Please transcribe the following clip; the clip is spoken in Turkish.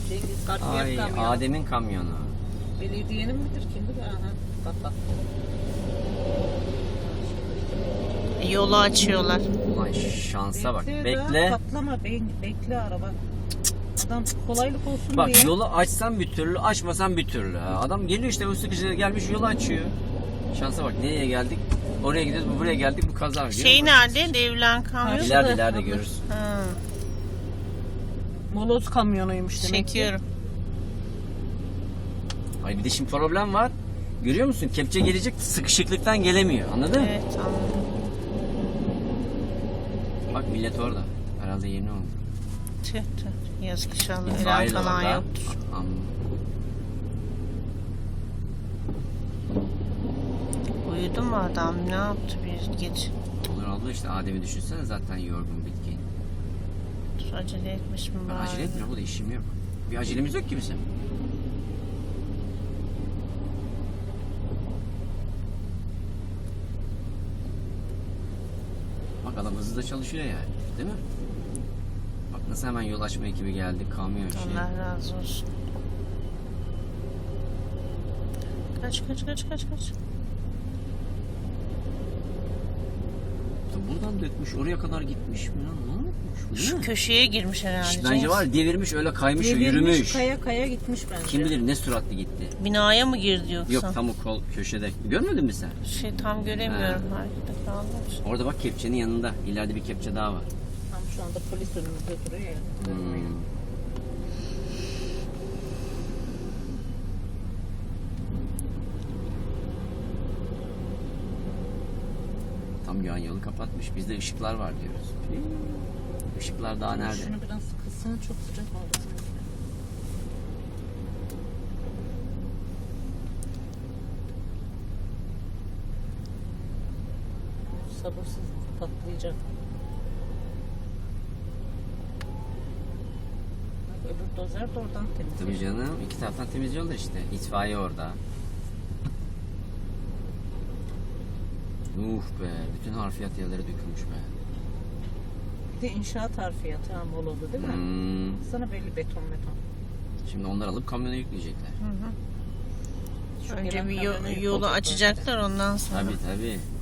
Cengiz Kartiyer Ay kamyonu. Adem'in kamyonu. Belediyenin midir kimdir? Aha. Bak. Yolu açıyorlar. Ulan şansa bak. Daha Bekle. patlama. Bekle araba. Adam kolaylık olsun Bak diye. yolu açsan bir türlü, açmasan bir türlü. Adam geliyor işte bu sıkıcıda gelmiş yolu açıyor. Şansa bak, nereye geldik? Oraya gidiyoruz, buraya geldik, bu kaza. Şey nerede? Devlen kamyon. İleride görürsün. Ha, Moloz kamyonuymuş demek ki. çekiyorum. Ay bir de şimdi problem var. Görüyor musun? Kepçe gelecek, sıkışıklıktan gelemiyor. Anladın mı? Evet, anladım. Bak millet orada. Herhalde yeni oldu. Tüh tüh. Yazık inşallah. Ölen İtfaiye de falan orada. yoktur. Uyudu mu adam? Ne yaptı bir gece? Olur abla işte Adem'i düşünsene, zaten yorgun, bitkin. Dur, acele etmiş mi Ben bari? acele etmiyorum, bu da işim yok. Bir acelemiz yok ki bizim. Bak adam hızlı da çalışıyor yani, değil mi? Bak nasıl hemen yol açma ekibi geldi, kamyon şey. Allah razı olsun. Kaç. Buradan dökmüş, oraya kadar gitmiş mi lan? Ne yapmış bu, değil Şu mi? köşeye girmiş herhalde. Bence var, devirmiş, öyle kaymış, Devirmiş, yürümüş. Kaya gitmiş bence. Kim bilir ne süratli gitti. Binaya mı girdi yoksa? Yok, tam o kol köşede. Görmedin mi sen? Şey tam göremiyorum. Harekette kaldım. Orada bak, kepçenin yanında. İleride bir kepçe daha var. Tam şu anda polis önümüzde duruyor ya. Tam yan yolu kapatmış. Bizde ışıklar var diyoruz. Işıklar daha nerede? Şunu biraz kısın, çok sıcak oldu. Sabırsız patlayacak. Bak, öbür dozer de oradan temizliyor. Tabii canım. İki taraftan temizliyorlar işte. İtfaiye orada. Be. Bütün harfiyat yerlere dökülmüş be. Bir de inşaat harfiyatı bol oldu değil mi? Sana belli beton. Şimdi onlar alıp kamyona yükleyecekler. Şu Önce gelen bir kamyonu yolu yıkıldı. açacaklar ondan sonra. Tabii.